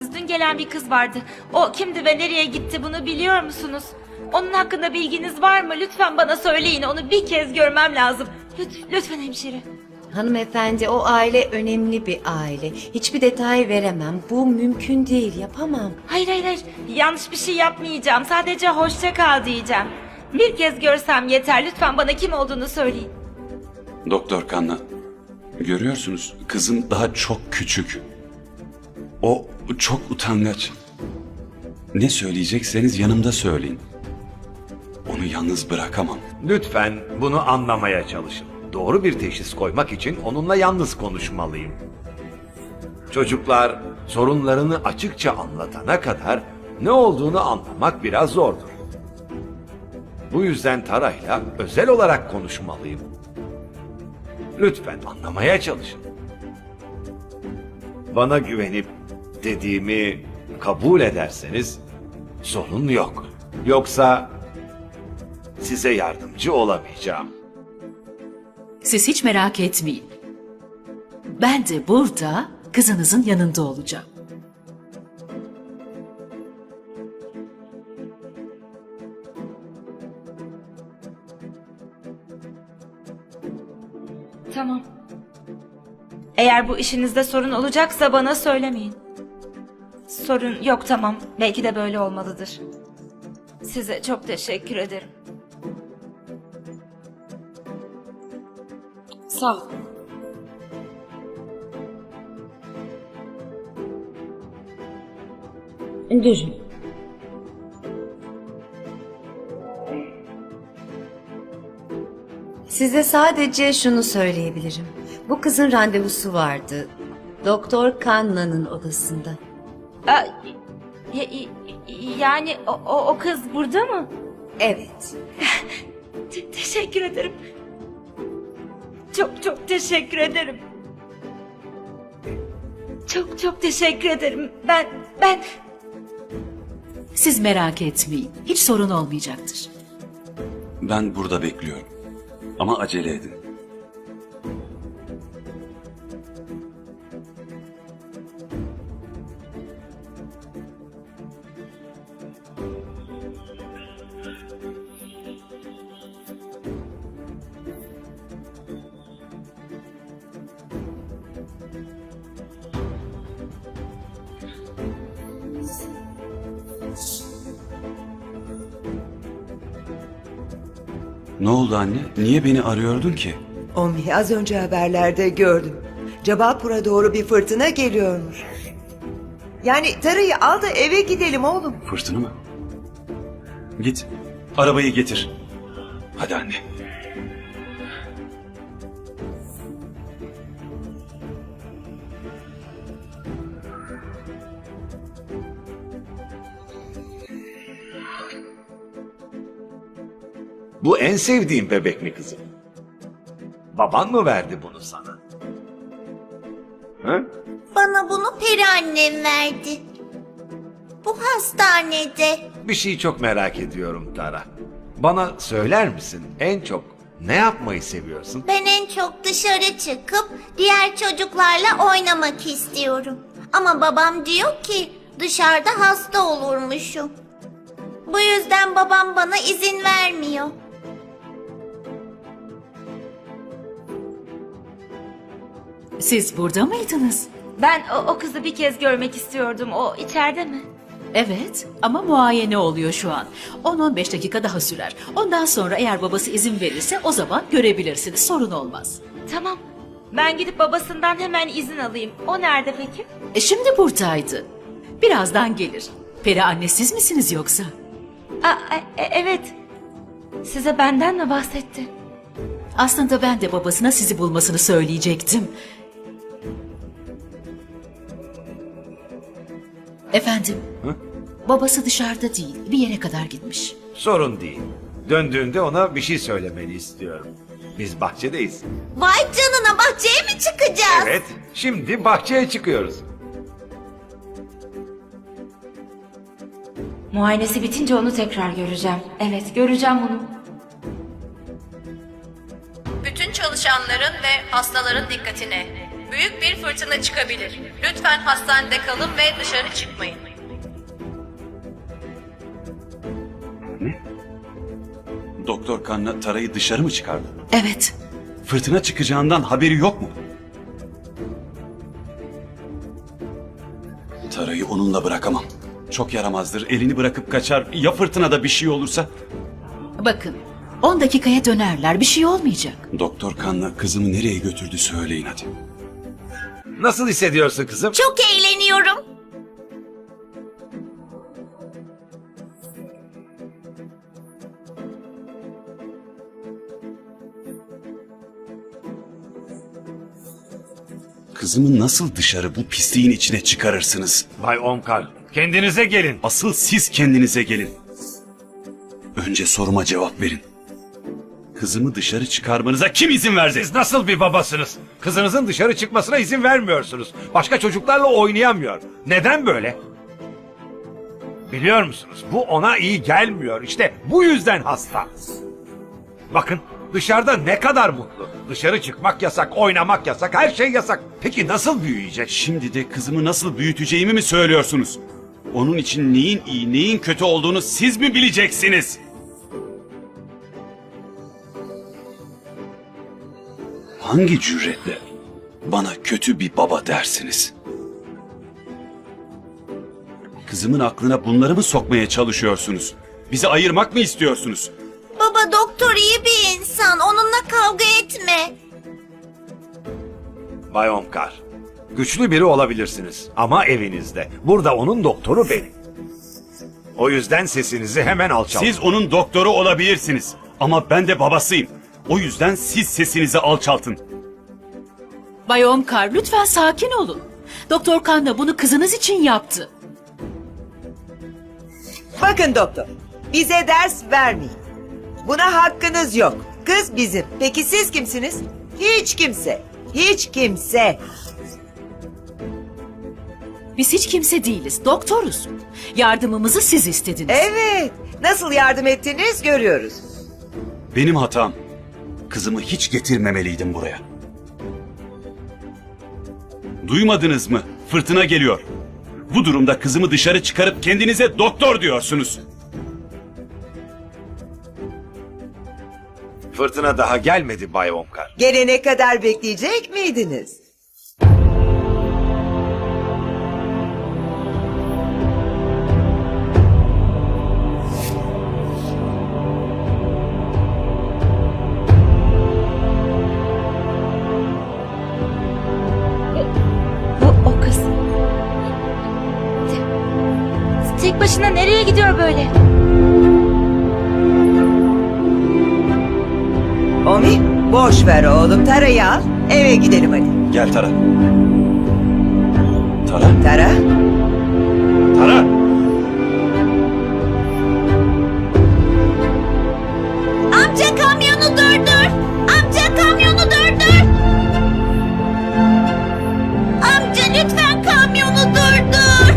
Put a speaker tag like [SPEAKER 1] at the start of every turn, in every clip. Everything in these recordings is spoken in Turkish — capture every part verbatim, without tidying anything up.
[SPEAKER 1] musunuz? Dün gelen bir kız vardı. O kimdi ve nereye gitti bunu biliyor musunuz? Onun hakkında bilginiz var mı? Lütfen bana söyleyin. Onu bir kez görmem lazım. Lütfen, lütfen hemşire.
[SPEAKER 2] Hanımefendi, o aile önemli bir aile. Hiçbir detay veremem. Bu mümkün değil, yapamam.
[SPEAKER 1] Hayır hayır hayır. Yanlış bir şey yapmayacağım. Sadece hoşça kal diyeceğim. Bir kez görsem yeter. Lütfen bana kim olduğunu söyleyin.
[SPEAKER 3] Doktor Kanna, görüyorsunuz kızım daha çok küçük. O çok utangaç. Ne söyleyecekseniz yanımda söyleyin. Onu yalnız bırakamam.
[SPEAKER 4] Lütfen bunu anlamaya çalışın. Doğru bir teşhis koymak için onunla yalnız konuşmalıyım. Çocuklar sorunlarını açıkça anlatana kadar ne olduğunu anlamak biraz zordur. Bu yüzden Tara'yla özel olarak konuşmalıyım. Lütfen anlamaya çalışın. Bana güvenip dediğimi kabul ederseniz sorun yok. Yoksa size yardımcı olamayacağım.
[SPEAKER 5] Siz hiç merak etmeyin. Ben de burada kızınızın yanında olacağım.
[SPEAKER 1] Tamam. Eğer bu işinizde sorun olacaksa bana söylemeyin. Sorun yok, tamam. Belki de böyle olmalıdır. Size çok teşekkür ederim.
[SPEAKER 2] Sağ ol. Durun. Size sadece şunu söyleyebilirim. Bu kızın randevusu vardı. Doktor Kanna'nın odasında.
[SPEAKER 1] Aa, y- y- yani o, o, o kız burada mı?
[SPEAKER 2] Evet.
[SPEAKER 1] Te- teşekkür ederim. Çok çok teşekkür ederim. Çok çok teşekkür ederim. Ben ben
[SPEAKER 5] Siz merak etmeyin. Hiç sorun olmayacaktır.
[SPEAKER 3] Ben burada bekliyorum. Ama acele edin. Ne oldu anne? Niye beni arıyordun ki?
[SPEAKER 6] Omi, az önce haberlerde gördüm. Cebapur'a doğru bir fırtına geliyormuş. Yani Tara'yı al da eve gidelim oğlum.
[SPEAKER 3] Fırtına mı? Git. Arabayı getir. Hadi anne.
[SPEAKER 4] Bu en sevdiğin bebek mi kızım? Baban mı verdi bunu sana? Hı?
[SPEAKER 7] Bana bunu peri annem verdi. Bu hastanede.
[SPEAKER 4] Bir şeyi çok merak ediyorum Tara. Bana söyler misin en çok ne yapmayı seviyorsun?
[SPEAKER 7] Ben en çok dışarı çıkıp diğer çocuklarla oynamak istiyorum. Ama babam diyor ki dışarıda hasta olurmuşum. Bu yüzden babam bana izin vermiyor.
[SPEAKER 5] Siz burada mıydınız?
[SPEAKER 1] ben o, o kızı bir kez görmek istiyordum. O içeride mi?
[SPEAKER 5] Evet ama muayene oluyor şu an. on on beş dakika daha sürer. Ondan sonra eğer babası izin verirse o zaman görebilirsiniz. Sorun olmaz.
[SPEAKER 1] Tamam. Ben gidip babasından hemen izin alayım. O nerede peki?
[SPEAKER 5] E şimdi buradaydı. Birazdan gelir. Peri anne siz misiniz yoksa?
[SPEAKER 1] Aa, e- e- evet. Size benden mi bahsetti?
[SPEAKER 5] Aslında ben de babasına sizi bulmasını söyleyecektim. Efendim,
[SPEAKER 4] Hı?
[SPEAKER 5] babası dışarıda değil, bir yere kadar gitmiş.
[SPEAKER 4] Sorun değil. Döndüğünde ona bir şey söylemeni istiyorum. Biz bahçedeyiz.
[SPEAKER 7] Vay canına, bahçeye mi çıkacağız?
[SPEAKER 4] Evet, şimdi bahçeye çıkıyoruz.
[SPEAKER 1] Muayenesi bitince onu tekrar göreceğim. Evet, göreceğim onu.
[SPEAKER 8] Bütün çalışanların ve hastaların dikkatine. büyük bir fırtına çıkabilir. Lütfen hastanede kalın ve dışarı çıkmayın.
[SPEAKER 3] Doktor Kanna Tara'yı dışarı mı çıkardı?
[SPEAKER 5] Evet.
[SPEAKER 3] Fırtına çıkacağından haberi yok mu? Tara'yı onunla bırakamam. Çok yaramazdır. Elini bırakıp kaçar. Ya fırtınada bir şey olursa?
[SPEAKER 5] Bakın, on dakikaya dönerler. Bir şey olmayacak.
[SPEAKER 3] Doktor Kanna kızımı nereye götürdü söyleyin hadi.
[SPEAKER 4] Nasıl hissediyorsun kızım?
[SPEAKER 7] Çok eğleniyorum.
[SPEAKER 3] Kızımı nasıl dışarı bu pisliğin içine çıkarırsınız?
[SPEAKER 4] Bay Omkar, kendinize gelin.
[SPEAKER 3] Asıl siz kendinize gelin. Önce soruma cevap verin. Kızımı dışarı çıkarmanıza kim izin verdi?
[SPEAKER 4] Siz nasıl bir babasınız? Kızınızın dışarı çıkmasına izin vermiyorsunuz. Başka çocuklarla oynayamıyor. Neden böyle? Biliyor musunuz? Bu ona iyi gelmiyor. İşte bu yüzden hasta. Bakın dışarıda ne kadar mutlu. Dışarı çıkmak yasak, oynamak yasak, her şey yasak. Peki nasıl büyüyecek?
[SPEAKER 3] Şimdi de kızımı nasıl büyüteceğimi mi söylüyorsunuz? Onun için neyin iyi, neyin kötü olduğunu siz mi bileceksiniz? Hangi cüretle bana kötü bir baba dersiniz? Kızımın aklına bunları mı sokmaya çalışıyorsunuz? Bizi ayırmak mı istiyorsunuz?
[SPEAKER 7] Baba doktor iyi bir insan. Onunla kavga etme.
[SPEAKER 4] Bay Omkar, güçlü biri olabilirsiniz ama evinizde. Burada onun doktoru benim. O yüzden sesinizi hemen alçaltın.
[SPEAKER 3] Siz onun doktoru olabilirsiniz ama ben de babasıyım. O yüzden siz sesinizi alçaltın.
[SPEAKER 5] Bay Omkar, lütfen sakin olun. Doktor Kanna bunu kızınız için yaptı.
[SPEAKER 6] Bakın doktor, bize ders vermeyin. Buna hakkınız yok. Kız bizim. Peki siz kimsiniz? Hiç kimse. Hiç kimse.
[SPEAKER 5] Biz hiç kimse değiliz, doktoruz. Yardımımızı siz istediniz.
[SPEAKER 6] Evet. Nasıl yardım ettiniz görüyoruz.
[SPEAKER 3] Benim hatam. Kızımı hiç getirmemeliydim buraya. Duymadınız mı? Fırtına geliyor. Bu durumda kızımı dışarı çıkarıp kendinize doktor diyorsunuz.
[SPEAKER 4] Fırtına daha gelmedi Bay Omkar.
[SPEAKER 6] Gelene kadar bekleyecek miydiniz?
[SPEAKER 1] Bu o kız. Tek başına nereye gidiyor böyle?
[SPEAKER 6] Omi, boş ver oğlum. Tara'yı al. Eve gidelim hadi.
[SPEAKER 3] Gel Tara. Tara.
[SPEAKER 6] Tara.
[SPEAKER 3] Tara.
[SPEAKER 7] Amca kamyonu durdur. Amca kamyonu durdur. Amca lütfen kamyonu durdur.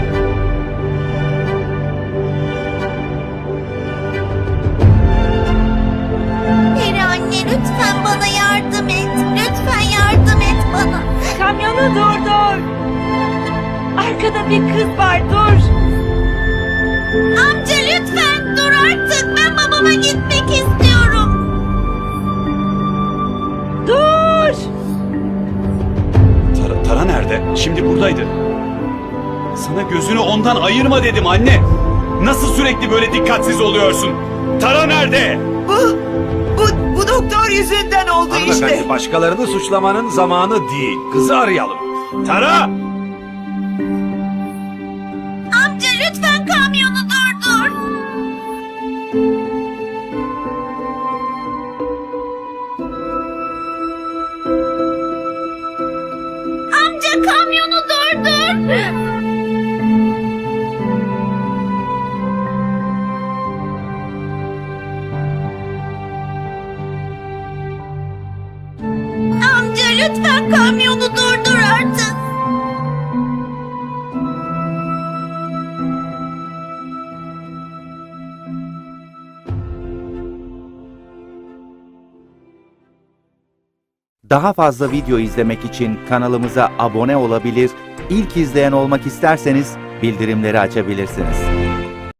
[SPEAKER 7] Peri anne lütfen bana yardım et. Lütfen yardım et bana.
[SPEAKER 1] Kamyonu durdur. Arkada bir kız var, dur.
[SPEAKER 7] Amca lütfen dur artık. Ben babama gitmek istiyorum.
[SPEAKER 1] Dur.
[SPEAKER 3] Tara, Tara nerede? Şimdi buradaydı. Sana gözünü ondan ayırma dedim anne. Nasıl sürekli böyle dikkatsiz oluyorsun? Tara nerede?
[SPEAKER 6] Bu, bu, bu doktor yüzünden oldu
[SPEAKER 4] Hanımefendi
[SPEAKER 6] işte.
[SPEAKER 4] başkalarını suçlamanın zamanı değil. Kızı arayalım.
[SPEAKER 3] Tara!
[SPEAKER 7] Amca lütfen kamyonu durdur. Amca kamyonu durdur. Amca lütfen kamyonu durdur artık.
[SPEAKER 9] Daha fazla video izlemek için kanalımıza abone olabilir, ilk izleyen olmak isterseniz bildirimleri açabilirsiniz.